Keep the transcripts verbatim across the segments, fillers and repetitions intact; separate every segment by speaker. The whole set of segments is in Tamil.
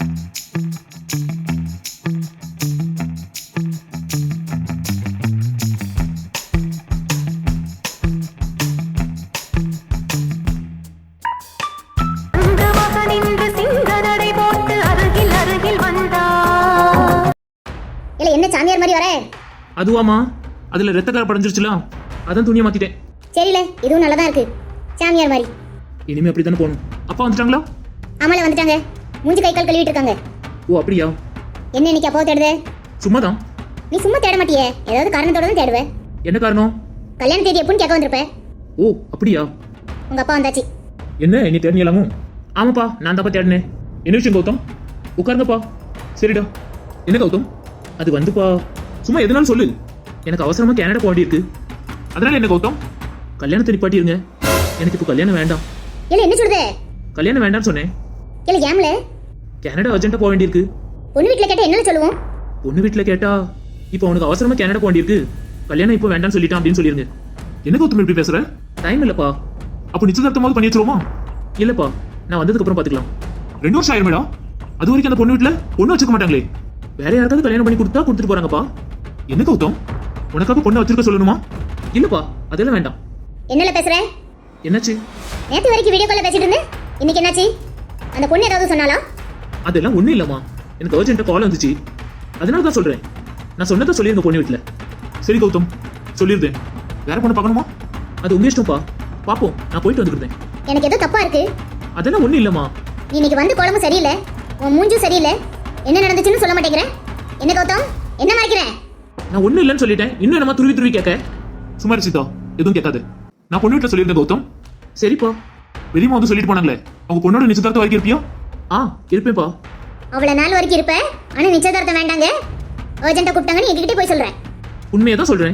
Speaker 1: என்ன சாமியார் மாதிரி வர?
Speaker 2: அதுவாமா, அதுல ரத்த கரை படைஞ்சிருச்சுல, அதான் துணியை மாத்திட்டேன்.
Speaker 1: சரில, இதுவும் நல்லதா இருக்கு. சாமியார் மாதிரி.
Speaker 2: இனிமே அப்படி தானே போகணும். அப்பா வந்துட்டாங்களா?
Speaker 1: ஆமால வந்துட்டாங்க. மூஞ்சி கை கால் கழுவிட்டு இருக்காங்க.
Speaker 2: ஓ அப்படியா?
Speaker 1: என்ன இன்னைக்கு அப்பா தேடுதே?
Speaker 2: சும்மாதான்.
Speaker 1: நீ சும்மா தேட மாட்டியே, ஏதாவது காரணத்தோட தான் தேடுவே.
Speaker 2: என்ன காரணம்?
Speaker 1: கல்யாண தேதி எப்போன்னு கேட்க வந்திருப்ப.
Speaker 2: ஓ அப்படியா?
Speaker 1: உங்க அப்பா வந்தாச்சு.
Speaker 2: என்ன நீ தேடினீங்களாமோ? ஆமாப்பா, நான் தாப்பா தேடினேன். என்ன விஷயம் கௌதம்? உட்காருங்கப்பா. சரிடா. என்ன கௌதம்? அது வந்துப்பா, சும்மா எதனாலும் சொல்லு. எனக்கு அவசரமா கனடா போக வேண்டியிருக்கு. அதனால என்ன கௌதம்? கல்யாணத்தை நிப்பாட்டிருங்க. எனக்கு இப்போ கல்யாணம் வேண்டாம்.
Speaker 1: இல்ல என்ன சொல்லுதே?
Speaker 2: கல்யாணம் வேண்டாம்னு சொன்னேன்.
Speaker 1: இல்ல ஏம்ல?
Speaker 2: கனடா அர்ஜென்ட்டா போக வேண்டியிருக்கு.
Speaker 1: பொண்ணு வீட்ல கேட்டா என்ன சொல்லுவோம்?
Speaker 2: பொண்ணு வீட்ல கேட்டா இப்போ அவனுக்கு அவசரமா கனடா போக வேண்டியிருக்கு, கல்யாணம் இப்போ வேண்டாம்னு சொல்லிட்டான் அப்படின்னு சொல்லிருங்க. என்ன கௌதம் இப்படி பேசுற? டைம் இல்லப்பா. அப்போ நிச்சயதார்த்தமாவது பண்ணி வச்சிருவோமா? இல்லப்பா, நான் வந்ததுக்கு அப்புறம் பாத்துக்கலாம். ரெண்டு வருஷம் ஆயிரும் மேடம். அது வரைக்கும் அந்த பொண்ணு வீட்ல பொண்ணு வச்சுக்க மாட்டாங்களே. வேற யாருக்காவது கல்யாணம் பண்ணி கொடுத்தா கொடுத்துட்டு போறாங்கப்பா. என்ன கௌதம், உனக்காக பொண்ணை வச்சிருக்க சொல்லணுமா? இல்லப்பா, அதெல்லாம் வேண்டாம்.
Speaker 1: என்னல பேசுற?
Speaker 2: என்னாச்சு?
Speaker 1: நேத்து வரைக்கும் வீடியோ கால்ல பேசிட்டு இருந்தேன், இன்னைக்கு என்னாச்சு? அந்த பொண்ணு ஏதாவது சொன்னாலா?
Speaker 2: அதெல்லாம் ஒண்ணும் இல்லம்மா, எனக்கு அர்ஜென்ட்டா கால் வந்துச்சு, அதனால தான் சொல்றேன். நான் சொன்னதை சொல்லிருங்க பொண்ணு வீட்ல. சரி கௌதம், சொல்லிருந்தேன். வேற பொண்ணு பார்க்கணுமா? அது உங்க இஷ்டம்ப்பா, பாப்போம். நான் போயிட்டு வந்துருந்தேன்.
Speaker 1: எனக்கு ஏதோ தப்பா இருக்கு.
Speaker 2: அதெல்லாம் ஒண்ணும் இல்லம்மா.
Speaker 1: நீ இன்னைக்கு வந்து கோலமும் சரியில்லை, உன் மூஞ்சும் சரியில்லை. என்ன நடந்துச்சுன்னு சொல்ல மாட்டேங்கிற. என்ன கௌதம், என்ன மறைக்கிற?
Speaker 2: நான் ஒண்ணும் இல்லைன்னு சொல்லிட்டேன், இன்னும் என்னமா துருவி துருவி கேட்க? சும்மா சீதா, எதுவும் கேட்காது. நான் பொண்ணு வீட்டில் சொல்லியிருந்தேன் கௌதம். சரிப்பா. வெளியமா வந்து சொல்லிட்டு போனாங்களே, அவங்க பொண்ணோட நிச்சயதார்த்தம் வரைக்கும் இருப்பியா? ஆ இருப்பேன்ப்பா.
Speaker 1: அவ்வளவு நாள் வரைக்கும் இருப்ப, ஆனா நிச்சயதார்த்தம் வேண்டாங்க, அர்ஜென்ட்டா கூப்பிட்டாங்கன்னு எங்ககிட்ட போய் சொல்றேன்.
Speaker 2: உண்மையை தான் சொல்றேன்.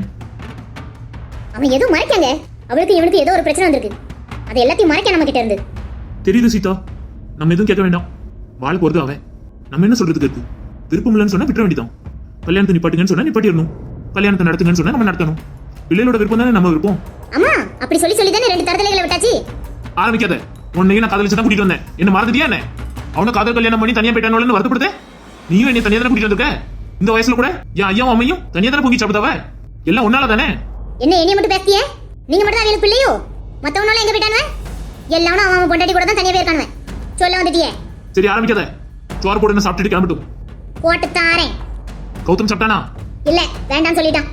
Speaker 1: அவன் எதுவும் மறைக்காங்க. அவளுக்கு இவனுக்கு ஏதோ ஒரு பிரச்சனை வந்திருக்கு, அது எல்லாத்தையும் மறைக்க நம்ம கிட்ட இருந்து.
Speaker 2: தெரியுது சீதா, நம்ம எதுவும் கேட்க வேண்டாம். வாழ போறது அவன், நம்ம என்ன சொல்றதுக்கு இருக்கு? விருப்பம் இல்லைன்னு சொன்னா விட்டுற வேண்டியதான். கல்யாணத்தை நிப்பாட்டுங்கன்னு சொன்னா நிப்பாட்டிடணும், கல்யாணத்தை நடத்துங்கன்னு சொன்னா நம்ம நடத்தணும். பிள்ளைகளோட விருப்பம் தானே நம்ம விருப்பம்.
Speaker 1: அம்மா அப்படி சொல்லி சொல்லி தானே ரெண்டு தரதலைகளை விட்டாச்சு.
Speaker 2: ஆரம்பிக்காத. உன்னையும் நான் காதலிச்சு தான் கூட்டிட்டு வந்தேன், என்ன மறந்துட்டியா என்ன? அவனை காதல் கல்யாணம் பண்ணி தனியா போயிட்டானு வருத்தப்படுத்த? நீயும் என்ன தனியா தானே கூட்டிட்டு வந்திருக்க? இந்த வயசுல கூட என் ஐயாவும் அம்மையும் தனியா தானே பொங்கி சாப்பிட்டவ. எல்லாம் உன்னால தானே.
Speaker 1: என்ன என்னைய மட்டும் பேசிய? நீங்க மட்டும் தான் அவளுக்கு பிள்ளையோ? மத்தவனால எங்க போயிட்டானே? எல்லாரும் அவன் அவன் பொண்டாட்டி கூட தான் தனியா போயிருக்கானே. சொல்ல வந்துட்டியே.
Speaker 2: சரி ஆரம்பிக்காத. சோறு போடுன்னு சாப்பிட்டுட்டு கிளம்பிட்டும்.
Speaker 1: போட்டு தாரேன்.
Speaker 2: கௌதம் சாப்பிட்டானா?
Speaker 1: இல்ல வேண்டாம் சொல்லிட்டான்.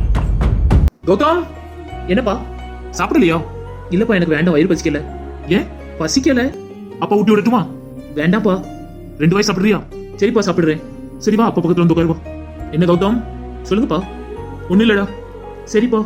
Speaker 2: கௌதம் என்னப்பா சாப்பிடலையா? இல்லப்பா, எனக்கு வேண்டாம், வயிறு பசிக்கல. ஏன் பசிக்கல? அப்பா ஊட்டி விடட்டுமா? வேண்டாம்ப்பா. ரெண்டு வாய் சாப்பிடுறியா? சரிப்பா சாப்பிடுறேன். சரிப்பா, அப்பா பக்கத்துல வந்து உட்காருவா. என்ன கௌதம் சொல்லுங்கப்பா. ஒண்ணு இல்லடா. சரிப்பா.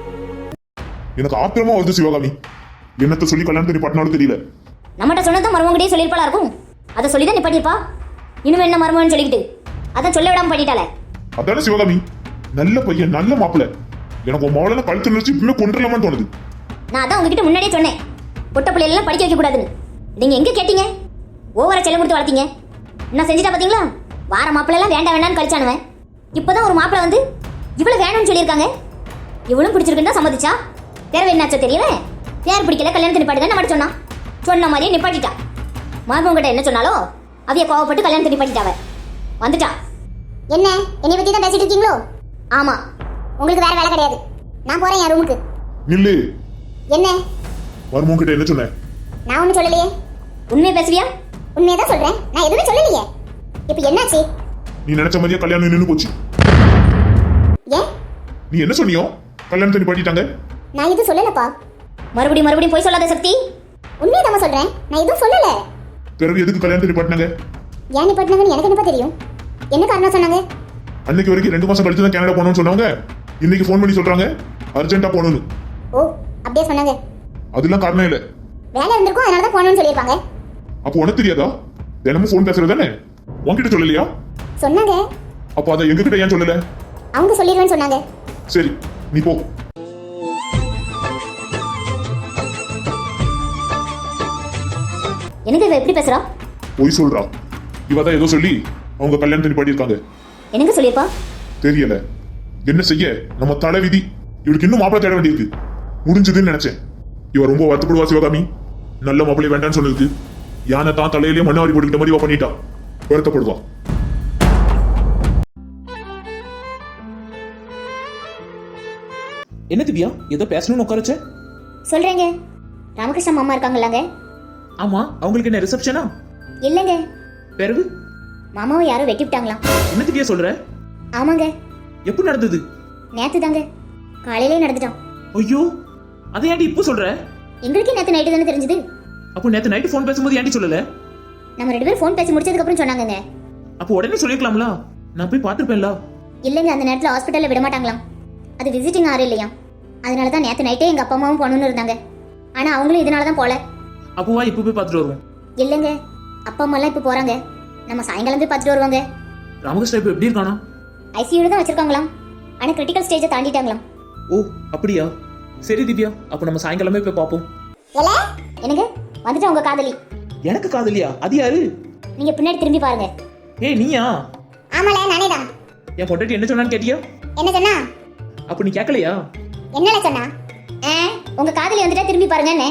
Speaker 3: எனக்கு ஆத்திரமா வருது சிவகாமி. என்னத்த சொல்லி கல்யாணத்தை நிப்பாட்டினாலும் தெரியல.
Speaker 1: நம்மகிட்ட சொன்னதும் மருமகிட்டே சொல்லிருப்பாளா இருக்கும். அதை சொல்லிதான் நிப்பாட்டிருப்பா. இன்னும் என்ன மருமகன்னு சொல்லிக்கிட்டு அதான் சொல்ல விடாம பண்ணிட்டாளே.
Speaker 3: அதான சிவகாமி, நல்ல பையன், நல்ல மாப்பிள்ள. எனக்கு உன் மவளை கழுத்து நினைச்சு இப்பவே கொண்டுலாமான்னு தோணுது.
Speaker 1: நான் அதான் உங்ககிட்ட முன்னாடியே சொன்னேன், பொட்ட பிள்ளைலாம் படிக்க வைக்க கூடாதுன்னு. நீங்க எங்க கேட்டீங்க? ஓவரா செல்லம் கொடுத்து வளர்த்தீங்க. என்ன செஞ்சுட்டா பாத்தீங்களா? வார மாப்பிள்ள எல்லாம் வேண்டாம் வேண்டாம்னு கழிச்சானுவன். இப்பதான் ஒரு மாப்பிள்ள வந்து இவ்வளவு வேணும்னு சொல்லியிருக்காங்க. இவளும் பிடிச்சிருக்குன்னு தான் சம்மதிச்சா. தேவை என்னாச்சோ தெரியல. பேர் பிடிக்கல, கல்யாணத்தை நிப்பாட்டுங்க நம்ம சொன்னான். சொன்ன மாதிரியே நிப்பாட்டிட்டா. மருமகிட்ட என்ன சொன்னாலோ அவைய கோவப்பட்டு கல்யாணத்தை நிப்பாட்டிட்டாவ. வந்துட்டா. என்ன என்னை பத்தி தான் பேசிட்டு இருக்கீங்களோ? ஆமா, உங்களுக்கு வேற வேலை கிடையாது. நான் போறேன் என் ரூமுக்கு.
Speaker 3: நில்லு.
Speaker 1: என்ன?
Speaker 3: மருமகன் கிட்ட என்ன சொன்னேன்?
Speaker 1: நான் ஒன்னும் சொல்லலையே. உண்மையை பேசுவியா? உண்மையை தான் சொல்றேன், நான் எதுவுமே சொல்லலையே. இப்போ என்னாச்சு?
Speaker 3: நீ நினைச்ச மாதிரியே கல்யாணம் நின்னு போச்சு.
Speaker 1: ஏன்?
Speaker 3: நீ என்ன சொன்னியோ கல்யாணத்தை நிப்பாட்டிட்டாங்க.
Speaker 1: நான் எதுவும் சொல்லலப்பா. மறுபடியும் மறுபடியும் போய் சொல்லாத சக்தி. உண்மையை தான் சொல்றேன், நான் எதுவும் சொல்லல.
Speaker 3: பிறகு எதுக்கு கல்யாணத்தை நிப்பாட்டினாங்க?
Speaker 1: ஏன் நிப்பாட்டினாங்கன்னு எனக்கு என்னப்பா தெரியும். என்ன காரணம் சொன்னாங்க?
Speaker 3: அன்னைக்கு வரைக்கும் ரெண்டு மாசம் கழிச்சு தான் கனடா போகணும்னு சொன்னாங்க. இன்னைக்கு ஃபோன் பண்ணி சொல்றாங்க அர்ஜென்ட்டா போகணும்னு.
Speaker 1: ஓ அப்படியே சொன்னாங்க.
Speaker 3: அதெல்லாம் காரணம் இல்ல.
Speaker 1: வேலை இருந்திருக்கும், அதனால தான் போகணும்னு சொல்லியிருப்பாங்க.
Speaker 3: அப்போ உனக்கு தெரியாதா? தினமும் ஃபோன் பேசுறது தானே? உன்கிட்ட சொல்லலையா?
Speaker 1: சொன்னாங்க.
Speaker 3: அப்போ அதை எங்க கிட்ட ஏன் சொல்லல?
Speaker 1: அவங்க சொல்லிடுவேன்னு சொன்னாங்க.
Speaker 3: சரி நீ போ.
Speaker 1: எனக்கு இவ எப்படி பேசுறா?
Speaker 3: போய் சொல்றா. இவ தான் ஏதோ சொல்லி அவங்க கல்யாணத்தை நிப்பாட்டி இருக்காங்க.
Speaker 1: எனக்கு சொல்லிருப்பா?
Speaker 3: தெரியல. என்ன செய்ய, நம்ம தலை விதி. இவளுக்கு இன்னும் மாப்பிள்ளை தேட வேண்டியிருக்கு. முடிஞ்சதுன்னு நினைச்சேன். இவ ரொம்ப வருத்தப்படுவா சிவகாமி. நல்ல மாப்பிள்ளை வேண்டான்னு சொன்னதுக்கு யானை தான் தலையிலேயே மண்ணாரி போட்டுக்கிட்ட மாதிரி இவ பண்ணிட்டா. வருத்தப்படுவா.
Speaker 2: என்ன திவ்யா ஏதோ பேசணும்னு உட்கார வச்ச?
Speaker 1: சொல்றேங்க. ராமகிருஷ்ணா மாமா இருக்காங்களாங்க?
Speaker 2: ஆமா, அவங்களுக்கு என்ன ரிசப்ஷனா?
Speaker 1: இல்லைங்க,
Speaker 2: பிறகு
Speaker 1: மாமாவை யாரோ வெட்டி விட்டாங்களாம்.
Speaker 2: என்ன திவ்யா சொல்ற?
Speaker 1: ஆமாங்க,
Speaker 2: எப்படி நடந்தது?
Speaker 1: நேத்து தாங்க, காலையிலே நடந்துட்டான்.
Speaker 2: ஐயோ, அதை ஏன்டி இப்போ சொல்ற?
Speaker 1: எங்களுக்கே நேத்து நைட்டு தானே தெரிஞ்சது.
Speaker 2: அப்போ நேத்து நைட்டு ஃபோன் பேசும்போது ஏன்டி சொல்லல?
Speaker 1: நம்ம ரெண்டு பேரும் ஃபோன் பேசி முடிச்சதுக்கு அப்புறம் சொன்னாங்கங்க.
Speaker 2: அப்போ உடனே சொல்லிருக்கலாம்ல, நான் போய் பார்த்திருப்பேன்ல.
Speaker 1: இல்லைங்க, அந்த நேரத்துல ஹாஸ்பிட்டல்ல விட மாட்டாங்களாம். அது விசிட்டிங் ஆறு இல்லையா, அதனால தான் நேத்து நைட்டே எங்க அப்பா அம்மாவும் போகணும்னு இருந்தாங்க. ஆனா அவங்களும் இதனால தான் போல.
Speaker 2: அப்போ வா இப்போ போய் பார்த்துட்டு வருவோம்.
Speaker 1: இல்லைங்க, அப்பா அம்மா எல்லாம் இப்போ போறாங்க. நம்ம சாயங்காலம் போய் பார்த்துட்டு வருவாங்க.
Speaker 2: ராமகிருஷ்ணா இப்போ எப்படி இருக்கானா?
Speaker 1: ஐசியூல தான் வச்சிருக்காங்களாம். ஆனா கிரிட்டிக்கல் ஸ்டேஜை தாண்டிட்டாங்களாம்.
Speaker 2: ஓ அப்படியா? சரி திவ்யா, அப்போ நம்ம சாயங்காலமே போய் பார்ப்போம்.
Speaker 1: எனக்கு வந்துட்டு உங்க காதலி.
Speaker 2: எனக்கு காதலியா? அது யாரு?
Speaker 1: நீங்க பின்னாடி திரும்பி பாருங்க.
Speaker 2: ஏய் நீயா?
Speaker 1: ஆமால, நானே தான்.
Speaker 2: என் பொண்டாட்டி என்ன சொன்னான்னு கேட்டியா?
Speaker 1: என்ன சொன்னா?
Speaker 2: அப்ப நீ கேட்கலையா?
Speaker 1: என்னல சொன்னா? உங்க காதலி வந்துட்டா திரும்பி பாருங்க. என்ன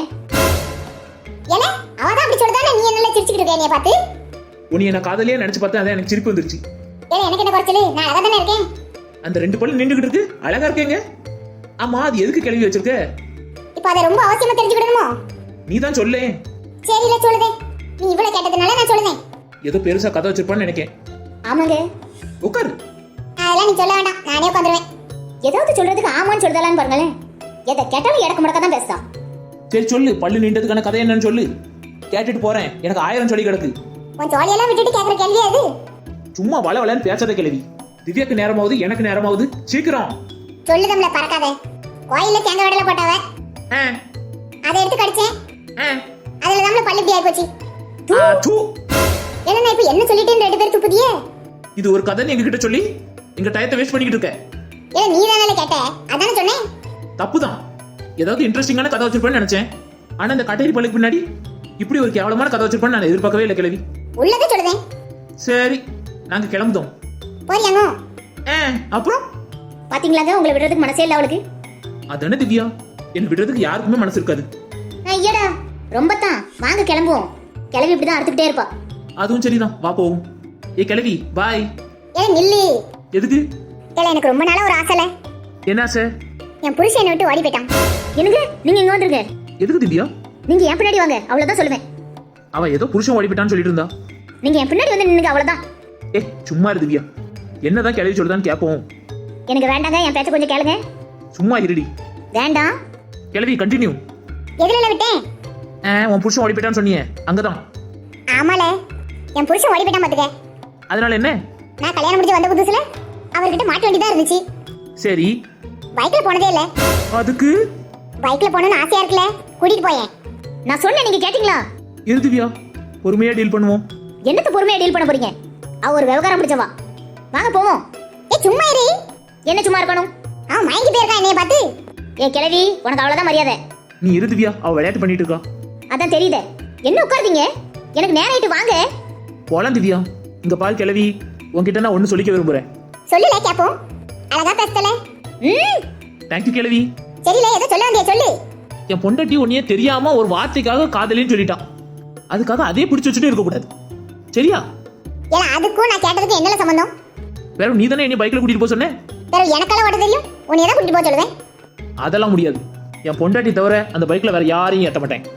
Speaker 1: ஏல அவ தான் அப்படி சொல்றதானே, நீ என்னல சிரிச்சிட்டு இருக்க என்னைய பார்த்து?
Speaker 2: உன்னை என்ன காதலியா நினைச்சு பார்த்தா அதான் எனக்கு சிரிப்பு வந்துருச்சு.
Speaker 1: ஏல எனக்கு என்ன குறைச்சல? நான் அழகா தானே இருக்கேன்.
Speaker 2: அந்த ரெண்டு பல்லு நின்னுகிட்டு இருக்கு, அழகா இருக்கேங்க. ஆமா, அது எதுக்கு கிளவி வச்சிருக்க?
Speaker 1: இப்போ அத ரொம்ப அவசியமா தெரிஞ்சுக்கணுமோ?
Speaker 2: நீ தான் சொல்லே.
Speaker 1: சரில சொல்லுதே. நீ இவ்வளவு கேட்டதனால நான் சொல்லுதேன்.
Speaker 2: ஏதோ பெருசா கதை வச்சிருப்பான்னு நினைக்கேன்.
Speaker 1: ஆமாங்க.
Speaker 2: உட்காரு.
Speaker 1: அதெல்லாம் நீ சொல்ல வேண்டாம், நானே உட்காந்துருவேன். ஏதாவது சொல்றதுக்கு ஆமான்னு சொல்றதான்னு பாருங்களேன். எதை கேட்டாலும் இடக்கு முடக்க தான் பேசுதா.
Speaker 2: சரி சொல்லு, பல்லு நீண்டதுக்கான கதை என்னன்னு சொல்லு. கேட்டுட்டு போறேன், எனக்கு ஆயிரம் சொல்லி கிடக்கு.
Speaker 1: உன் ஜாலியெல்லாம் விட்டுட்டு கேட்கற கேள்வி அது?
Speaker 2: சும்மா வள வளன்னு பேசாத கிளவி. திவ்யாக்கு நேரமாவது எனக்கு நேரமாவது, சீக்கிரம்
Speaker 1: சொல்லுதம்ல பறக்காத. கோயில்ல தேங்காய் வடல போட்டாவ,
Speaker 2: ஆ
Speaker 1: அதை எடுத்து கடிச்சேன்.
Speaker 2: ஆ
Speaker 1: அதுல தான் பல்லு இப்படி ஆயி போச்சு.
Speaker 2: ஆ தூ.
Speaker 1: என்ன நான் இப்ப என்ன சொல்லிட்டேன்னு ரெண்டு பேர் துப்புதியே.
Speaker 2: இது ஒரு கதை எங்க கிட்ட சொல்லி எங்க டயத்தை வேஸ்ட் பண்ணிக்கிட்டு இருக்க.
Speaker 1: ஏ நீ தானே கேட்ட, அதானே சொன்னேன்.
Speaker 2: தப்புதான். ஏதாவது இன்ட்ரெஸ்டிங்கான கதை வச்சிருப்பேன்னு நினைச்சேன். ஆனா இந்த கட்டேரி பல்லுக்கு பின்னாடி இப்படி ஒரு கேவலமான கதை வச்சிருப்பேன்னு நான் எதிர்பார்க்கவே இல்லை கிளவி.
Speaker 1: உள்ளதே சொல்லுதேன்.
Speaker 2: சரி, நாங்க கிளம்புதோம்.
Speaker 1: போறியாங்க?
Speaker 2: ஆ அப்புறம்
Speaker 1: பாத்தீங்களாங்க, உங்களை விடுறதுக்கு மனசே இல்ல அவளுக்கு.
Speaker 2: அதானே திவ்யா, என்ன விடுறதுக்கு யாருக்குமே மனசு இருக்காது.
Speaker 1: ஐயடா ரொம்ப தான். வாங்க கிளம்புவோம். கிளவி இப்படிதான் அறுத்துக்கிட்டே இருப்பா.
Speaker 2: அதுவும் சரிதான், வா போவோம். ஏ கிளவி பாய்.
Speaker 1: ஏ நில்லு.
Speaker 2: எதுக்கு?
Speaker 1: ஏல எனக்கு ரொம்ப நாளா ஒரு ஆசைல.
Speaker 2: என்ன ஆசை?
Speaker 1: என் புருஷன் என்னை விட்டு ஓடி போயிட்டான். என்னங்க நீங்க இங்க வந்துருங்க.
Speaker 2: எதுக்கு திவ்யா?
Speaker 1: நீங்க என் பின்னாடி வாங்க, அவ்வளவுதான் சொல்லுவேன்.
Speaker 2: அவ ஏதோ புருஷன் ஓடி போயிட்டான்னு சொல்லிட்டு இருந்தா.
Speaker 1: நீங்க என் பின்னாடி வந்து நின்னுங்க, அவ்வளவுதான்.
Speaker 2: ஏ சும்மா இரு திவ்யா, என்னதான் கிளவி சொல்லுதான்னு கேட்போம்.
Speaker 1: எனக்கு வேண்டாங்க, என் பேச்ச கொஞ்சம் கேளுங்க.
Speaker 2: சும்மா இருடி.
Speaker 1: வேண்டாம்.
Speaker 2: கிளவி கண்டினியூ.
Speaker 1: எதுல விட்டேன்?
Speaker 2: ஆ உன் புருஷன் ஓடி போயிட்டான்னு சொன்னியே, அங்கதான்.
Speaker 1: ஆமால, என் புருஷன் ஓடி போயிட்டான் பாத்துக்க.
Speaker 2: அதனால என்ன?
Speaker 1: நான் கல்யாணம் முடிஞ்சு வந்த புதுசுல அவர்கிட்ட மாட்ட வேண்டியதா இருந்துச்சு.
Speaker 2: சரி.
Speaker 1: பைக்ல போனதே இல்ல.
Speaker 2: அதுக்கு
Speaker 1: பைக்ல போகணும்னு ஆசையா இருக்குல்ல, கூட்டிட்டு போயேன். நான் சொன்னேன், நீங்க கேட்டீங்களா?
Speaker 2: இரு திவ்யா, பொறுமையா டீல் பண்ணுவோம்.
Speaker 1: என்னத்த பொறுமையா டீல் பண்ண போறீங்க? அவ ஒரு விவகாரம் பிடிச்சவா. வாங்க போவோம். ஏ சும்மா இரு. என்ன சும்மா இருக்கணும்? அவன் மயங்கி போயிருக்கான் என்னைய பார்த்து. ஏ கிழவி, உனக்கு அவ்வளவுதான் மரியாதை.
Speaker 2: நீ இரு திவ்யா, அவ விளையாட்டு பண்ணிட்டு இருக்கா.
Speaker 1: அதான் தெரியுதே. என்ன உட்கார்ந்தீங்க? எனக்கு நேரம் ஆயிட்டு, வாங்க
Speaker 2: போலாம் திவ்யா. இங்க பால் கிளவி, உன்கிட்ட நான் ஒண்ணு சொல்லிக்க விரும்புறேன்.
Speaker 1: சொல்லுல கேப்போம். அழகா பேசல. ம்
Speaker 2: தேங்க்யூ கிளவி.
Speaker 1: சரில, ஏதோ சொல்ல வந்தியா சொல்லு.
Speaker 2: என் பொண்டாட்டி உன்னையே தெரியாம ஒரு வார்த்தைக்காக காதலின்னு சொல்லிட்டான். அதுக்காக அதே பிடிச்சு வச்சுட்டே இருக்க கூடாது, சரியா?
Speaker 1: ஏல அதுக்கும் நான் கேட்டதுக்கு என்னல சம்பந்தம்?
Speaker 2: வேற நீ தானே என்ன பைக்ல கூட்டிட்டு போக சொன்னே.
Speaker 1: வேற எனக்கெல்லாம் ஓட்ட தெரியும், உன்னை தான் கூட்டிட்டு போக சொல்லுவேன்.
Speaker 2: அதெல்லாம் முடியாது. என் பொண்டாட்டி தவிர அந்த பைக்ல வேற யாரையும் ஏத்த மாட்டேன்.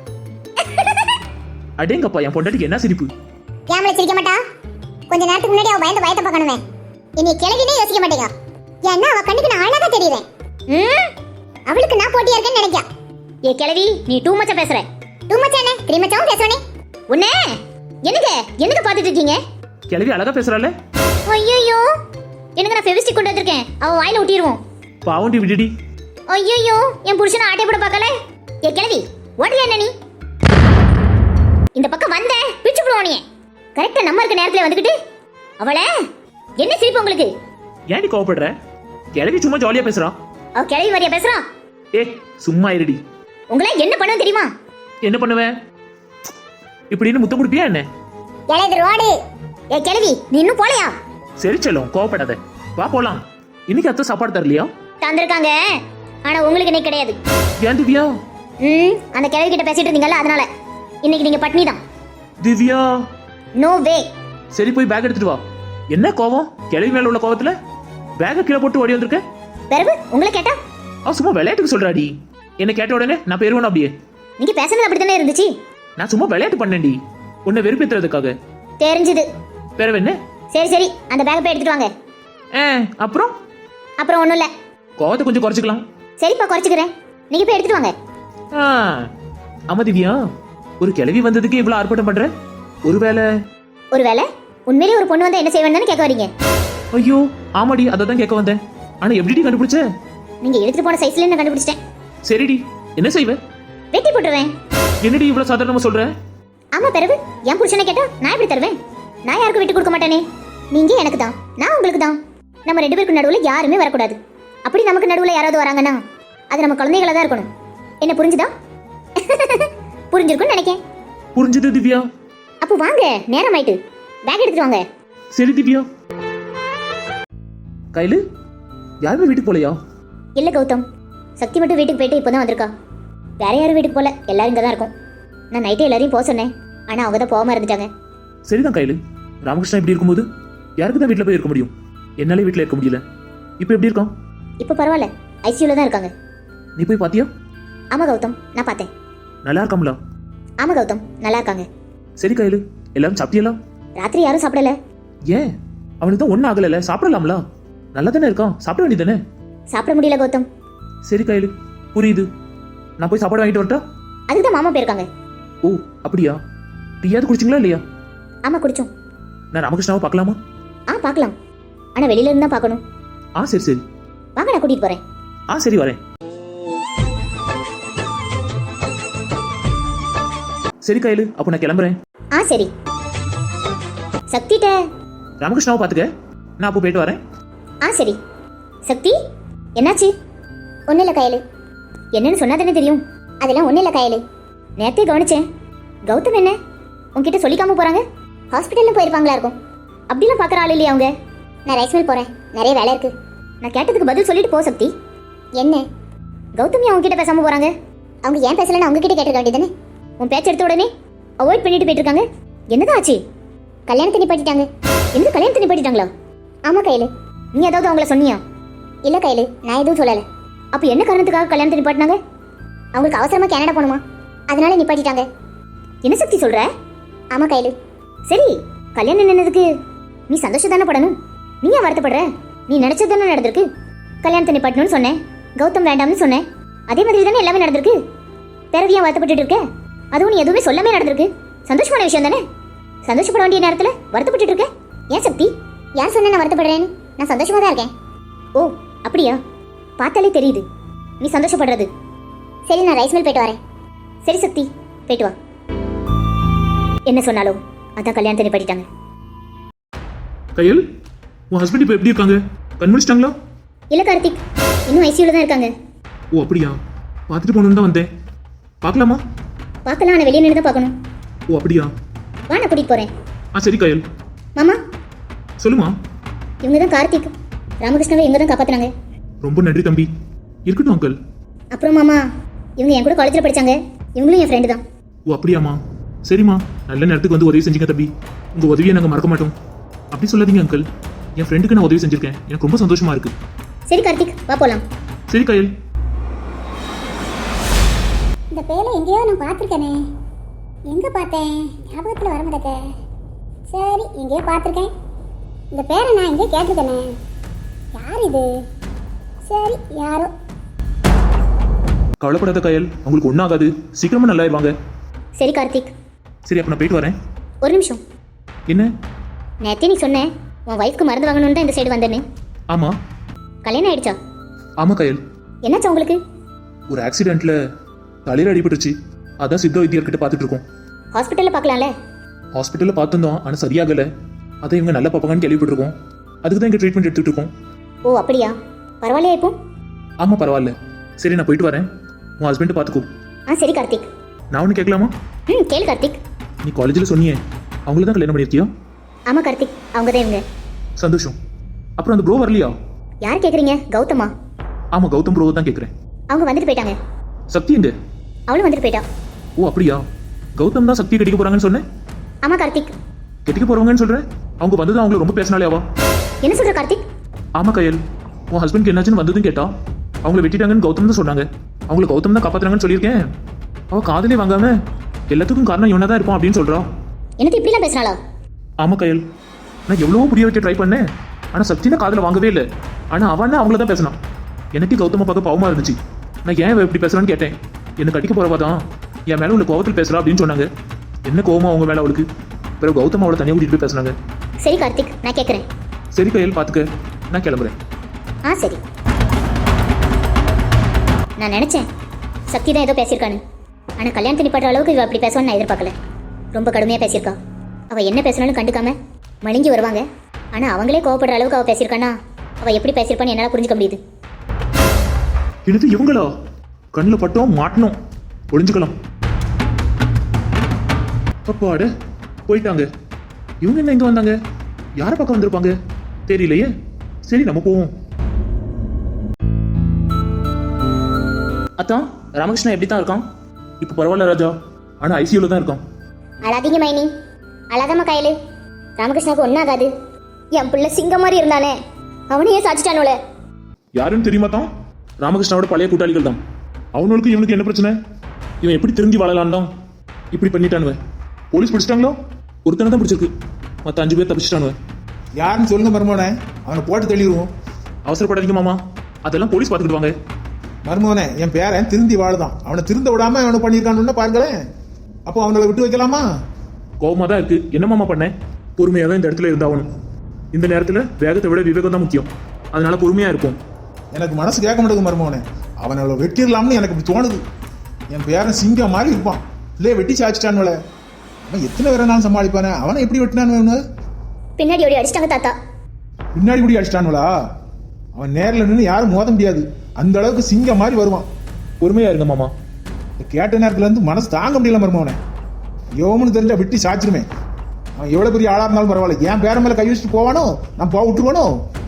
Speaker 2: அடேங்கப்பா, என் பொண்டாட்டிக்கு என்ன சிரிப்பு.
Speaker 1: கேமரா சிரிக்க மாட்டா. கொஞ்ச நேரத்துக்கு முன்னாடி அவ பயந்த பயத்தை பார்க்கணுமே. என்னை கிளவினே யோசிக்க மாட்டேங்க. ஏன்னா அவ கண்ணுக்கு நான் அழகா தெரியுறேன். ம் அவளுக்கு நான் போட்டியா இருக்கேன்னு நினைக்கா. ஏ கிளவி, நீ டூ மச்சா பேசுற. டூ மச்சா என்ன? த்ரீ மச்சாவும் பேசுவனே. உன்னை என்னங்க என்னங்க பாத்துட்டு இருக்கீங்க?
Speaker 2: கிளவி அழகா பேசுறாளே.
Speaker 1: ஐயோ, எனக்கு நான் ஃபெவிஸ்டிக் கொண்டு வந்திருக்கேன், அவ வாயில ஊட்டிடுவோம்.
Speaker 2: பாவண்டி விடுடி.
Speaker 1: ஐயோ, என் புருஷனை ஆட்டை போட பார்க்கல. ஏ கிளவி, ஓடுறியா என்ன நீ? இந்த பக்கம் வந்த பிச்சு போடுவோம் நீ. கரெக்டா நம்ம இருக்க நேரத்துல வந்துகிட்டு அவளை என்ன சிரிப்பு உங்களுக்கு?
Speaker 2: ஏன்டி கோவப்படுற? கிளவி சும்மா ஜாலியா பேசுறா.
Speaker 1: அவ கிளவி மாதிரியா பேசுறா?
Speaker 2: ஏ சும்மா இருடி.
Speaker 1: உங்களை என்ன பண்ணும் தெரியுமா?
Speaker 2: என்ன பண்ணுவேன்? இப்படின்னு முத்தம் கொடுப்பியா என்ன?
Speaker 1: எலது ரோடு. ஏ கிளவி, நீ இன்னும் போலையா?
Speaker 2: சரி செல்லும், கோவப்படாத, வா போலாம். இன்னைக்கு அத்தை சாப்பாடு தரலையா?
Speaker 1: தந்திருக்காங்க, ஆனா உங்களுக்கு இன்னைக்கு கிடையாது.
Speaker 2: ஏன் திவ்யா?
Speaker 1: ம் அந்த கிளவி கிட்ட பேசிட்டு இருந்தீங்கல்ல, அதனால இன்னைக்கு நீங்க பட்னி தான்.
Speaker 2: Divya
Speaker 1: no way.
Speaker 2: சரி போய் பேக் எடுத்துட்டு வா. என்ன கோவம்? கிளவி மேல உள்ள கோவத்துல பேக்கை கீழே போட்டு ஓடி வந்திருக்க.
Speaker 1: பிறகு உங்களை கேட்டா
Speaker 2: அவ சும்மா விளையாட்டுக்கு சொல்றாடி. என்ன கேட்ட உடனே நான் பெருவனும் அப்படியே.
Speaker 1: நீங்க பேசுனது அப்படித்தானே இருந்துச்சு.
Speaker 2: நான் சும்மா விளையாட்டு பண்ணேன்டி, உன்னை வெறுப்பேத்துறதுக்காக.
Speaker 1: தெரிஞ்சுது.
Speaker 2: பிறவு என்ன?
Speaker 1: சரி சரி அந்த பேக்கை போய் எடுத்துட்டு வாங்க.
Speaker 2: ஏ அப்புறம்
Speaker 1: அப்புறம் ஒண்ணும் இல்ல.
Speaker 2: கோவத்தை கொஞ்சம் குறைச்சிக்கலாம்.
Speaker 1: சரிப்பா குறைச்சிக்கிறேன். நீங்க போய் எடுத்துட்டு வாங்க.
Speaker 2: ஆ, ஆமா திவ்யா, ஒரு கிளவி வந்ததுக்கு இவ்வளவு ஆர்ப்பாட்டம் பண்ற? ஒருவேளை
Speaker 1: ஒருவேளை உண்மையிலேயே ஒரு பொண்ணு வந்தா என்ன செய்வேன்னு கேட்க வரீங்க?
Speaker 2: ஐயோ ஆமாடி, அதை தான் கேட்க வந்தேன். ஆனா எப்படிடி கண்டுபிடிச்ச?
Speaker 1: நீங்க எடுத்துட்டு போன சைஸ்ல நான் கண்டுபிடிச்சிட்டேன்.
Speaker 2: சரிடி, என்ன செய்வ?
Speaker 1: வெட்டி போட்டுருவேன்.
Speaker 2: என்னடி இவ்வளவு சாதாரணமா சொல்ற?
Speaker 1: ஆமா பிறகு என் புருஷனை கேட்டா நான் எப்படி தருவேன்? நான் யாருக்கும் விட்டு கொடுக்க மாட்டேனே. நீங்க எனக்கு தான், நான் உங்களுக்கு தான். நம்ம ரெண்டு பேருக்கு நடுவுல யாருமே வரக்கூடாது. அப்படி நமக்கு நடுவுல யாராவது வராங்கன்னா அது நம்ம குழந்தைகளா தான் இருக்கணும். என்ன புரிஞ்சுதா? புரிஞ்சிருக்கும்னு நினைக்கேன்.
Speaker 2: புரிஞ்சுது திவ்யா.
Speaker 1: அப்போ வாங்க, நேரம் ஆயிட்டு. பேக் எடுத்துட்டு வாங்க.
Speaker 2: சரி திவ்யா. கையில யாருமே வீட்டுக்கு போலையா?
Speaker 1: இல்ல கௌதம், சக்தி மட்டும் வீட்டுக்கு போயிட்டு இப்போதான் வந்திருக்கா. வேற யாரும் வீட்டுக்கு போல, எல்லாரும் இங்க தான் இருக்கும். நான் நைட்டே எல்லாரையும் போக சொன்னேன், ஆனா அவங்க தான் போகாம இருந்துட்டாங்க.
Speaker 2: சரிதான் கையில. ராமகிருஷ்ணா இப்படி இருக்கும்போது யாருக்கு தான் வீட்டுல போய் இருக்க முடியும்? என்னாலே வீட்டுல இருக்க முடியல. இப்போ எப்படி இருக்கான்?
Speaker 1: இப்போ பரவாயில்ல, ஐசியூல தான் இருக்காங்க.
Speaker 2: நீ போய் பாத்தியா?
Speaker 1: ஆமா கௌதம், நான் பார்த்தேன்.
Speaker 2: நல்லா இருக்காங்களா?
Speaker 1: ஆமா கௌதம், நல்லா இருக்காங்க.
Speaker 2: சரி கையில, எல்லாரும் சாப்பிட்டியலாம்?
Speaker 1: ராத்திரி யாரும் சாப்பிடல.
Speaker 2: ஏன்? அவனுக்கு தான் ஒன்னும் ஆகல, சாப்பிடலாம்ல? நல்லா தானே இருக்கான், சாப்பிட வேண்டியதானே?
Speaker 1: சாப்பிட முடியல கௌதம்.
Speaker 2: சரி கையில, புரியுது. நான் போய் சாப்பாடு வாங்கிட்டு வரட்டா?
Speaker 1: அதுக்கு தான் மாமா போயிருக்காங்க.
Speaker 2: ஓ அப்படியா? டீயாவது குடிச்சிங்களா இல்லையா?
Speaker 1: ஆமா குடிச்சோம்.
Speaker 2: நான் ராமகிருஷ்ணாவை பார்க்கலாமா?
Speaker 1: ஆ பார்க்கலாம், ஆனா வெளியில இருந்து தான் பார்க்கணும்.
Speaker 2: ஆ சரி சரி.
Speaker 1: வாங்க, நான் கூட்டிட்டு போறேன்.
Speaker 2: ஆ சரி வரேன். சரி கையில, அப்போ நான் கிளம்புறேன்.
Speaker 1: ஆ சரி. சக்திட்ட
Speaker 2: ராமகிருஷ்ணாவை பார்த்துக்க, நான் அப்போ போயிட்டு வரேன்.
Speaker 1: ஆ சரி. சக்தி என்னாச்சு? ஒன்றும் இல்லை கயலு. என்னன்னு சொன்னா தானே தெரியும். அதெல்லாம் ஒன்றும் இல்லை கயலு. நேரத்தை கவனிச்சேன். கௌதம் என்ன உன்கிட்ட சொல்லிக்காம போறாங்க? ஹாஸ்பிட்டலில் போயிருப்பாங்களா இருக்கும். அப்படிலாம் பார்க்குற ஆள் இல்லையா அவங்க? நான் ரைஸ் மில் போகிறேன், நிறைய வேலை இருக்கு. நான் கேட்டதுக்கு பதில் சொல்லிட்டு போ சக்தி. என்ன கௌதம் ஏன் உங்ககிட்ட பேசாமல் போகிறாங்க? அவங்க ஏன் பேசலன்னு அவங்க கிட்ட கேட்டிருக்க வேண்டியதானே? உன் பேச்சு எடுத்த உடனே அவாய்ட் பண்ணிட்டு போயிட்டு இருக்காங்க. என்னதான் ஆச்சு? கல்யாணத்தை நிப்பாட்டிட்டாங்க. எந்த கல்யாணத்தை நிப்பாட்டிட்டாங்களா? ஆமாம் கையில். நீ ஏதாவது அவங்கள சொன்னியா? இல்லை கையில், நான் எதுவும் சொல்லலை. அப்போ என்ன காரணத்துக்காக கல்யாணத்தை நிப்பாட்டினாங்க? அவங்களுக்கு அவசரமாக கனடா போகணுமா, அதனால நிப்பாட்டிட்டாங்க. என்ன சக்தி சொல்ற? ஆமாம் கையில். சரி, கல்யாணம் நின்னதுக்கு நீ சந்தோஷம் தானே படணும். நீ ஏன் வருத்தப்படுற? நீ நினைச்சது தானே நடந்திருக்கு. கல்யாணத்தை நிப்பாட்டணும்னு சொன்னேன், கௌதம் வேண்டாம்னு சொன்னேன். அதே மாதிரி தானே எல்லாமே நடந்திருக்கு. பிறகு ஏன் வருத்தப்பட்டு இருக்க? அதுவும் நீ எதுவுமே சொல்லாமே நடந்திருக்கு. சந்தோஷமான விஷயம் தானே. சந்தோஷப்பட வேண்டிய நேரத்தில் வருத்தப்பட்டு இருக்க ஏன் சக்தி? யார் சொன்ன நான் வருத்தப்படுறேன்னு? நான் சந்தோஷமா தான் இருக்கேன். ஓ அப்படியா? பார்த்தாலே தெரியுது நீ சந்தோஷப்படுறது. சரி, நான் ரைஸ் மில் போயிட்டு வரேன். சரி சக்தி, போயிட்டு வா. என்ன சொன்னாலும் அதான் கல்யாணத்தை நிப்பாட்டிட்டாங்க.
Speaker 2: கையல், உன் ஹஸ்பண்ட் இப்போ எப்படி இருக்காங்க? கண் முடிச்சிட்டாங்களா?
Speaker 1: இல்லை கார்த்திக், இன்னும் ஐசியூல தான் இருக்காங்க.
Speaker 2: ஓ அப்படியா? பார்த்துட்டு போகணுன்னு தான் வந்தேன். பார்க்கலாமா?
Speaker 1: பார்க்கலாம், ஆனால் வெளியே நின்று தான் பார்க்கணும்.
Speaker 2: ஓ அப்படியா?
Speaker 1: வா, நான் கூட்டிகிட்டு போகிறேன்.
Speaker 2: ஆ சரி கையல்.
Speaker 1: மாமா,
Speaker 2: சொல்லுமா.
Speaker 1: இவங்க தான் கார்த்திக். ராமகிருஷ்ணாவை இவங்க தான் காப்பாற்றுனாங்க.
Speaker 2: ரொம்ப நன்றி தம்பி. இருக்கட்டும் அங்கிள்.
Speaker 1: அப்புறம் மாமா, இவங்க என் கூட காலேஜில் படித்தாங்க. இவங்களும் என் ஃப்ரெண்டு தான்.
Speaker 2: ஓ அப்படியாம்மா? சரிம்மா, நல்ல நேரத்துக்கு வந்து உதவி செஞ்சீங்க தம்பி. உங்கள் உதவியை நாங்கள் மறக்க மாட்டோம். அப்படி சொல்லாதீங்க அங்கிள். என் ஃப்ரெண்டுக்கு நான் உதவி செஞ்சிருக்கேன், எனக்கு ரொம்ப சந்தோஷமா இருக்கு.
Speaker 1: சரி கார்த்திக், வா போகலாம்.
Speaker 2: சரி கையல்.
Speaker 4: இந்த பேரை எங்கேயோ நான் பார்த்துருக்கேனே. எங்கே பார்த்தேன்? ஞாபகத்தில் வர மாட்டேங்க. சரி, எங்கேயோ பார்த்துருக்கேன். இந்த பேரை நான் எங்கேயோ கேட்டிருக்கேனே. யார் இது? சரி, யாரோ.
Speaker 2: கவலைப்படாத கையல், உங்களுக்கு ஒன்றும் ஆகாது. சீக்கிரமா நல்லாயிருவாங்க.
Speaker 1: சரி கார்த்திக்.
Speaker 2: சரி, அப்போ நான் போயிட்டு வரேன்.
Speaker 1: ஒரு நிமிஷம்.
Speaker 2: என்ன?
Speaker 1: நேத்தே நீ சொன்னேன் உன் ஒய்ஃப்க்கு மருந்து வாங்கணும்னு தான் இந்த சைடு வந்தேன்னு.
Speaker 2: ஆமாம்.
Speaker 1: கல்யாணம் ஆயிடுச்சா?
Speaker 2: ஆமாம் கையல்.
Speaker 1: என்னாச்சா உங்களுக்கு?
Speaker 2: ஒரு ஆக்சிடென்ட்ல தலையில் அடிபட்டுருச்சு. அதான் சித்த வைத்தியர்கிட்ட பார்த்துட்டு இருக்கோம்.
Speaker 1: ஹாஸ்பிட்டலில் பார்க்கலாம்ல?
Speaker 2: ஹாஸ்பிட்டலில் பார்த்துருந்தோம், ஆனால் சரியாகலை. அதை இவங்க நல்லா பார்ப்பாங்கன்னு கேள்விப்பட்டிருக்கோம். அதுக்கு தான் இங்கே ட்ரீட்மெண்ட் எடுத்துகிட்டு இருக்கோம்.
Speaker 1: ஓ அப்படியா? பரவாயில்லையா இப்போ?
Speaker 2: ஆமாம் பரவாயில்ல. சரி, நான் போயிட்டு வரேன். உன் ஹஸ்பண்டை பார்த்துக்கோ.
Speaker 1: ஆ சரி கார்த்திக்.
Speaker 2: நான் ஒன்று கேட்கலாமா?
Speaker 1: ம் கேளு கார்த்திக்.
Speaker 2: நீ காலேஜில் சொன்னியே, அவங்கள தான் கல்யாணம் பண்ணியிருக்கியா?
Speaker 1: ஆமாம் கார்த்திக், அவங்க தான் இவங்க.
Speaker 2: சந்தோஷம். அப்புறம் அந்த ப்ரோ வரலையா?
Speaker 1: யார் கேட்குறீங்க? கௌதமா?
Speaker 2: ஆமாம், கௌதம் ப்ரோ தான் கேட்குறேன்.
Speaker 1: அவங்க வந்துட்டு போயிட்டாங்க.
Speaker 2: சக்தி எங்க?
Speaker 1: அவளும் வந்துட்டு போயிட்டா.
Speaker 2: ஓ அப்படியா? கௌதம் தான் சக்தியை கட்டிக்க போகிறாங்கன்னு சொன்னேன்.
Speaker 1: ஆமாம் கார்த்திக்.
Speaker 2: கெட்டிக்க போறவங்கன்னு சொல்றேன். அவங்க வந்தது அவங்கள ரொம்ப பேசினாலே அவா.
Speaker 1: என்ன சொல்ற கார்த்திக்?
Speaker 2: ஆமா கயல், உன் ஹஸ்பண்ட்க்கு என்னாச்சுன்னு வந்ததும் கேட்டா அவங்கள வெட்டிட்டாங்கன்னு கௌதம் தான் சொன்னாங்க. அவங்கள கௌதம் தான் காப்பாத்துறாங்கன்னு சொல்லியிருக்கேன். அவ காதலே வாங்காம எல்லாத்துக்கும் காரணம் இவனா தான் இருப்பான் அப்படின்னு சொல்றா.
Speaker 1: எனக்கு இப்படிலாம் பேசுறாளா?
Speaker 2: ஆமா கயல், நான் எவ்வளவோ புரிய வைக்க ட்ரை பண்ணேன். ஆனா சக்தினா காதல வாங்கவே இல்லை. ஆனா அவன் அவங்கள தான் பேசினான். எனக்கு கௌதம பார்க்க பாவமா இருந்துச்சு. நான் ஏன் இவ இப்படி பேசுறான்னு கேட்டேன். என்ன கட்டிக்க போறவா தான் என் மேல உள்ள கோவத்தில் பேசுறா அப்படின்னு சொன்னாங்க. என்ன கோவமா அவங்க மேல அவளுக்கு? பிறகு கௌதம் அவளை தனியாக கூட்டிட்டு போய் பேசுனாங்க.
Speaker 1: சரி கார்த்திக், நான் கேட்குறேன்.
Speaker 2: சரி கயல், பாத்துக்க, நான் கிளம்புறேன்.
Speaker 1: ஆ சரி. நான் நினைச்சேன் சக்தி தான் ஏதோ பேசியிருக்கான்னு. ஆனால் கல்யாணத்தை நிப்பாட்டுற அளவுக்கு இவ அப்படி பேசுவான்னு நான் எதிர்பார்க்கல. ரொம்ப கடுமையாக பேசியிருக்கா. அவள் என்ன பேசினாலும் கண்டுக்காம மழுங்கி வருவாங்க. ஆனால் அவங்களே கோவப்படுற அளவுக்கு அவள் பேசியிருக்கானா அவள் எப்படி பேசியிருப்பான்னு என்னால் புரிஞ்சுக்க முடியுது.
Speaker 2: எனக்கு இவங்களா? கண்ணில் பட்டோம் மாட்டணும், ஒளிஞ்சுக்கலாம். அப்பாட போயிட்டாங்க. இவங்க என்ன இங்க வந்தாங்க? யாரை பக்கம் வந்திருப்பாங்க தெரியலையே. சரி நம்ம போவோம். அத்தான், ராமகிருஷ்ணா எப்படி தான் இருக்கான்? இப்போ பரவாயில்ல ராஜா, ஆனால் ஐசியூல தான் இருக்கான்.
Speaker 1: அழாதீங்க மைனி, அழாதம்மா கையில். ராமகிருஷ்ணாவுக்கு ஒன்றாகாது. என் பிள்ளை சிங்கம் மாதிரி இருந்தானே, அவனையே சாச்சிட்டானோல.
Speaker 2: யாருன்னு தெரியுமா தான்? ராமகிருஷ்ணாவோட பழைய கூட்டாளிகள் தான். அவனுக்கு இவனுக்கு என்ன பிரச்சனை? இவன் எப்படி திரும்பி வாழலான் தான் இப்படி பண்ணிட்டானுவன். போலீஸ் பிடிச்சிட்டாங்களோ? ஒருத்தனை தான் பிடிச்சிருக்கு, மற்ற அஞ்சு பேர் தப்பிச்சிட்டானுவன்.
Speaker 5: யாருன்னு சொல்லுங்க மருமோனே, அவனை போட்டு தள்ளிடுவோம்.
Speaker 2: அவசரப்படாதீங்க மாமா, அதெல்லாம் போலீஸ் பார்த்துக்கிடுவாங்க.
Speaker 5: மருமோனே, என் பேரன் திருந்தி வாழுதான். அவனை திருந்த விடாம அவனை பண்ணியிருக்கான்னு பாருங்களேன். அப்போ அவனை விட்டு வைக்கலாமா?
Speaker 2: கோபமாக தான் இருக்கு. என்ன மாமா பண்ணேன்? பொறுமையாக தான் இந்த இடத்துல இருந்தாகணும். இந்த நேரத்தில் வேகத்தை விட விவேகம் தான் முக்கியம். அதனால பொறுமையாக இருக்கும்.
Speaker 5: எனக்கு மனசு கேட்க மாட்டேங்குது மருமோனே. அவனை வெட்டிடலாம்னு எனக்கு இப்படி தோணுது. என் பேரன் சிங்கம் மாதிரி இருப்பான். இல்லையே வெட்டி சாச்சிட்டானுவல. அவன் எத்தனை பேரை நான் சமாளிப்பானே. அவனை எப்படி வெட்டினானு?
Speaker 1: பின்னாடி ஓடி அடிச்சிட்டாங்க தாத்தா.
Speaker 5: பின்னாடி இப்படி அடிச்சிட்டானுவலா? அவன் நேரில் நின்று யாரும் மோத முடியாது. அந்த அளவுக்கு சிங்கம் மாதிரி வருவான்.
Speaker 2: பொறுமையாக இருங்க மாமா.
Speaker 5: கேட்ட நேரத்துல இருந்து மனசு தாங்க முடியல மருமோனே. யோமுன்னு தெரிஞ்சா வெட்டி சாச்சிருமே. அவன் எவ்வளவு பெரிய ஆளா இருந்தாலும் பரவாயில்ல. என் பேர மேல கை வச்சுட்டு போவானோ, நான் போக விட்டுருவானோ?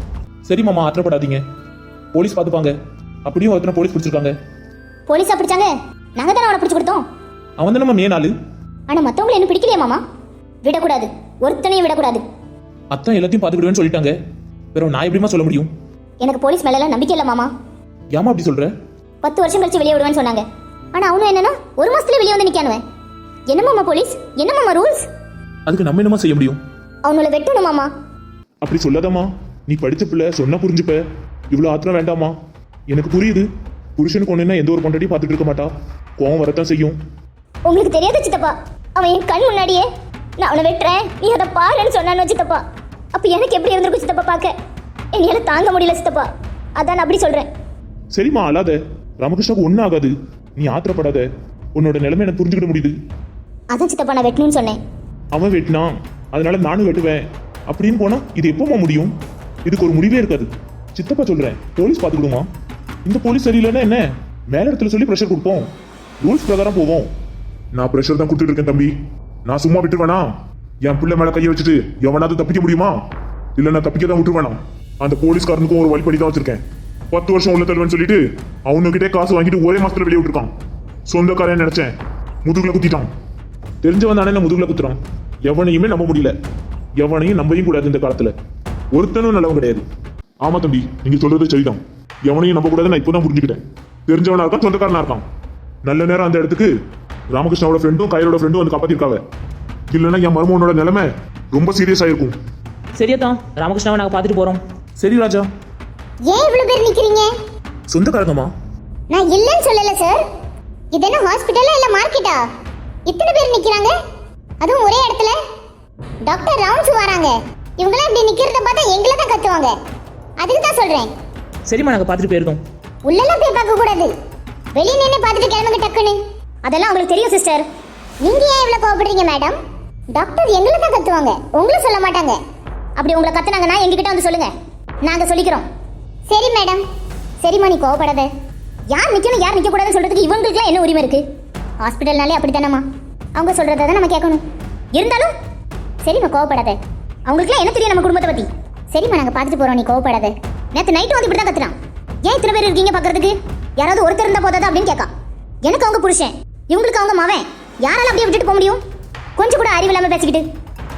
Speaker 2: சரி மாமா, ஆத்திரப்படாதீங்க. போலீஸ் பார்த்துப்பாங்க. அப்படியும் ஒருத்தனை போலீஸ் பிடிச்சிருக்காங்க.
Speaker 1: போலீஸா பிடிச்சாங்க? நாங்கள் தானே அவனை பிடிச்சி கொடுத்தோம்.
Speaker 2: அவன் தானே மே நாள்.
Speaker 1: ஆனால் மற்றவங்களை என்ன பிடிக்கலையா மாமா? விடக்கூடாது, ஒருத்தனையும் விடக்கூடாது.
Speaker 2: அத்தான் எல்லாத்தையும் பார்த்துக்கிடுவேன்னு சொல்லிட்டாங்க. வேற நான் எப்படிமா சொல்ல முடியும்?
Speaker 1: எனக்கு போலீஸ் மேலெல்லாம் நம்பிக்கை இல்லை மாமா.
Speaker 2: ஏமா அப்படி சொல்ற?
Speaker 1: பத்து வருஷம் கழிச்சு வெளியே விடுவேன்னு சொன்னாங்க. ஆனால் அவனும் என்னன்னா ஒரு மாசத்துல வெளியே வந்து நிற்கானுவேன். என்ன மாமா போலீஸ்? என்ன மாமா ரூல்ஸ்?
Speaker 2: அதுக்கு நம்ம என்னமா செய்ய முடியும்?
Speaker 1: அவங்கள வெட்டணும் மாமா.
Speaker 3: அப்படி சொல்லாதம்மா. நீ படிச்ச பிள்ளை, சொன்னா புரிஞ்சுப்ப. இவ்வளோ ஆத்திரம் வேண்டாமா? எனக்கு புரியுது. புருஷனுக்கு ஒண்ணுன்னா எந்த ஒரு பொண்டாட்டியும் பார்த்துட்டு இருக்க மாட்டா. கோவம் வரத்தான் செய்யும்.
Speaker 1: உங்களுக்கு தெரியாத சித்தப்பா, அவன் என் கண் முன்னாடியே நான் அவனை வெட்டுறேன், நீ அதை பாருன்னு சொன்னான்னு சித்தப்பா. அப்போ எனக்கு எப்படி இருந்திருக்கும் சித்தப்பா பார்க்க? என்னால் தாங்க முடியல சித்தப்பா. அதான் நான் அப்படி சொல்றேன்.
Speaker 3: சரிம்மா, அழாத. ராமகிருஷ்ணாவுக்கு ஒன்றும் ஆகாது. நீ ஆத்திரப்படாத. உன்னோட நிலைமை எனக்கு புரிஞ்சுக்கிட முடியுது.
Speaker 1: அதான் சித்தப்பா நான் வெட்டணும்னு சொன்னேன்.
Speaker 3: அவன் வெட்டினான், அதனால நானும் வெட்டுவேன் அப்படின்னு போனா இது எப்போமா முடியும்? இதுக்கு ஒரு முடிவே இருக்காது. சித்தப்பா சொல்றேன், போலீஸ் பார்த்துக்கிடுமா. இந்த போலீஸ் சரியில்லைன்னா என்ன, மேல இடத்துல சொல்லி ப்ரெஷர் கொடுப்போம். ரூல்ஸ் பிரகாரம் போவோம். நான் ப்ரெஷர் தான் கொடுத்துட்டு இருக்கேன் தம்பி. நான் சும்மா விட்டுருவேனா? என் பிள்ளை மேல கையை வச்சுட்டு எவனாவது தப்பிக்க முடியுமா? இல்ல நான் தப்பிக்க தான் விட்டுருவேனா? அந்த போலீஸ்காரனுக்கும் ஒரு வழிபடி தான் வச்சிருக்கேன். பத்து வருஷம் உள்ள தருவேன்னு சொல்லிட்டு அவனுக்கிட்டே காசு வாங்கிட்டு ஒரே மாசத்துல வெளியே விட்டுருக்கான். சொந்தக்காரன் நினைச்சேன், முதுகுல குத்திட்டான். தெரிஞ்சவன் தானே என்ன முதுகுல குத்துறான். எவனையுமே நம்ப முடியல. எவனையும் நம்பவும் கூடாது இந்த காலத்துல. ஒருத்தனும் நல்லவன் கிடையாது. ஆமா தம்பி, நீங்க சொல்றது சரிதான். எவனையும் நம்ப கூடாது, நான் இப்பதான் புரிஞ்சுக்கிட்டேன். தெரிஞ்சவனா இருக்கான், சொந்தக்காரனா இருக்கான். நல்ல நேரம் அந்த இடத்துக்கு ராமகிருஷ்ணாவோட ஃப்ரெண்டும் கையோட ஃப்ரெண்டும் வந்து காப்பாத்திருக்காங்க. இல்லைன்னா என் மருமகனோட நிலைமை ரொம்ப சீரியஸா இருக்கும்.
Speaker 2: சரியத்தான், ராமகிருஷ்ணாவை நாங்கள் பார்த்துட்டு போறோம். சரி ராஜா.
Speaker 1: ஏன் இவ்வளவு பேர் நிக்கிறீங்க?
Speaker 2: சொந்தக்காரங்கம்மா.
Speaker 1: நான் இல்லைன்னு சொல்லல சார். இது என்ன ஹாஸ்பிட்டலா இல்ல மார்க்கெட்டா? இத்தனை பேர் நிக்கிறாங்க, அதுவும் ஒரே இடத்துல. டாக்டர் ரவுண்ட்ஸ் வராங்க. இவங்களாம் இப்படி நிக்கிறத பார்த்தா எங்களை தான் கத்துவாங்க. அதுக்கு தான் சொல்றேன்.
Speaker 2: சரிம்மா, நாங்கள் பார்த்துட்டு போயிருந்தோம்.
Speaker 1: உள்ளெல்லாம் போய் பார்க்க கூடாது, வெளியே நின்று பார்த்துட்டு கிளம்புங்க டக்குன்னு. அதெல்லாம் உங்களுக்கு தெரியும் சிஸ்டர். நீங்க ஏன் இவ்வளவு கோவப்படுறீங்க மேடம்? டாக்டர் எங்களை தான் கத்துவாங்க, உங்களை சொல்ல மாட்டாங்க. அப்படி உங்களை கத்துனாங்கன்னா எங்ககிட்ட வந்து சொல்லுங்க, நாங்க சொல்லிக்கிறோம். சரி மேடம். சரிம்மா, நீ கோவப்படாத. யார் நிக்கணும் யார் நிக்க கூடாதுன்னு சொல்றதுக்கு இவங்களுக்குலாம் என்ன உரிமை இருக்கு? ஹாஸ்பிட்டல்னாலே அப்படித்தானம்மா, அவங்க சொல்றதை தான் நம்ம கேட்கணும். இருந்தாலும் சரிம்மா, கோவப்படாத. அவங்களுக்குலாம் என்ன தெரியும் நம்ம குடும்பத்தை பத்தி? சரிம்மா, நாங்க பார்த்துட்டு போறோம், நீ கோவப்படாத. நேற்று நைட்டு வந்து இப்படி தான் கத்துறான். ஏன் இத்தனை பேர் இருக்கீங்க பார்க்கறதுக்கு? யாராவது ஒருத்தர் இருந்தா போதாதா அப்படின்னு கேட்கா. எனக்கு அவங்க புருஷன், இவங்களுக்கு அவங்க மவன். யாரால அப்படியே விட்டுட்டு போக முடியும்? கொஞ்சம் கூட அறிவு இல்லாம பேசிக்கிட்டு.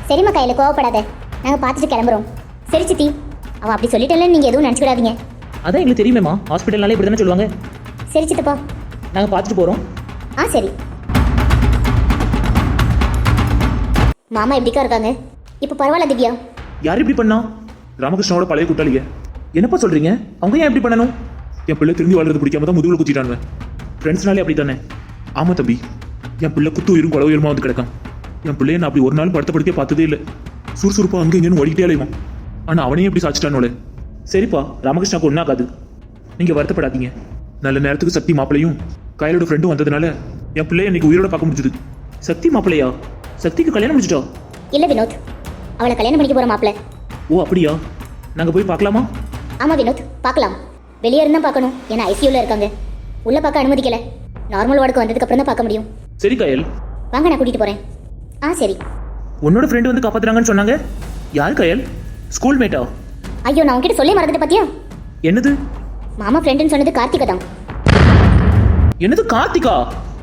Speaker 4: சரிம்மா கையில் கோவப்படாத நாங்கள் பார்த்துட்டு கிளம்புறோம்.
Speaker 1: சரி சித்தி, அவ அப்படி சொல்லிட்டேன்னு நீங்க எதுவும் நினைச்சுக்கிடாதீங்க.
Speaker 2: அதான் எங்களுக்கு தெரியுமேம்மா, ஹாஸ்பிட்டல்னாலே இப்படி தானே சொல்லுவாங்க.
Speaker 1: சரி சித்தப்பா.
Speaker 2: நாங்கள் பார்த்துட்டு போகிறோம்.
Speaker 1: ஆ சரி. மாமா எப்படிக்கா இருக்காங்க? இப்போ பரவாயில்ல திவ்யா.
Speaker 2: யார் இப்படி பண்ணா?
Speaker 3: ராமகிருஷ்ணாவோட பழைய கூட்டாளிங்க.
Speaker 2: என்னப்பா சொல்கிறீங்க? அவங்க ஏன் இப்படி பண்ணணும்?
Speaker 3: என் பிள்ளை திரும்பி வாழ்றது பிடிக்காம தான் முதுகுல குத்திட்டானுவன்.
Speaker 2: ஃப்ரெண்ட்ஸ்னாலே அப்படி தானே.
Speaker 3: ஆமா தம்பி, என் பிள்ளை குத்து உயிரும் கொலை உயிரமா வந்து கிடக்கான். என் பிள்ளைய நான் அப்படி ஒரு நாள் படுத்த படுத்தே பார்த்ததே இல்லை. சுறுசுறுப்பா அங்கே இங்கேன்னு ஓடிக்கிட்டே அலைவான். ஆனா அவனையும் எப்படி சாச்சிட்டானோல.
Speaker 2: சரிப்பா, ராமகிருஷ்ணாக்கு ஒன்றாகாது, நீங்கள் வருத்தப்படாதீங்க.
Speaker 3: நல்ல நேரத்துக்கு சக்தி மாப்பிளையும் கையலோட ஃப்ரெண்டும் வந்ததுனால என் பிள்ளைய இன்னைக்கு உயிரோட பார்க்க முடிஞ்சது.
Speaker 2: சக்தி மாப்பிள்ளையா? சக்திக்கு கல்யாணம் முடிச்சிட்டா?
Speaker 1: இல்ல வினோத், அவளை கல்யாணம் பண்ணிக்க போற மாப்பிள்ள.
Speaker 2: ஓ அப்படியா? நாங்கள் போய் பார்க்கலாமா?
Speaker 1: ஆமா வினோத், பார்க்கலாம். வெளியே இருந்தா பார்க்கணும், ஏன்னா ஐசியூல இருக்காங்க. உள்ள பார்க்க அனுமதிக்கல. நார்மல் வார்டுக்கு வந்ததுக்கு அப்புறம் தான் பார்க்க முடியும்.
Speaker 2: சரி கயல்,
Speaker 1: வாங்க நான் கூட்டிட்டு போறேன். ஆ சரி.
Speaker 2: உன்னோட ஃப்ரெண்டு வந்து காப்பாத்துறாங்கன்னு சொன்னாங்க. யார் கயல்? ஸ்கூல் மேட்டா?
Speaker 1: ஐயோ, நான் உன்கிட்ட சொல்லி மறந்துட்டு பாத்தியா?
Speaker 2: என்னது?
Speaker 1: மாமா ஃப்ரெண்டுன்னு சொன்னது கார்த்திகா தான்.
Speaker 2: என்னது கார்த்திகா?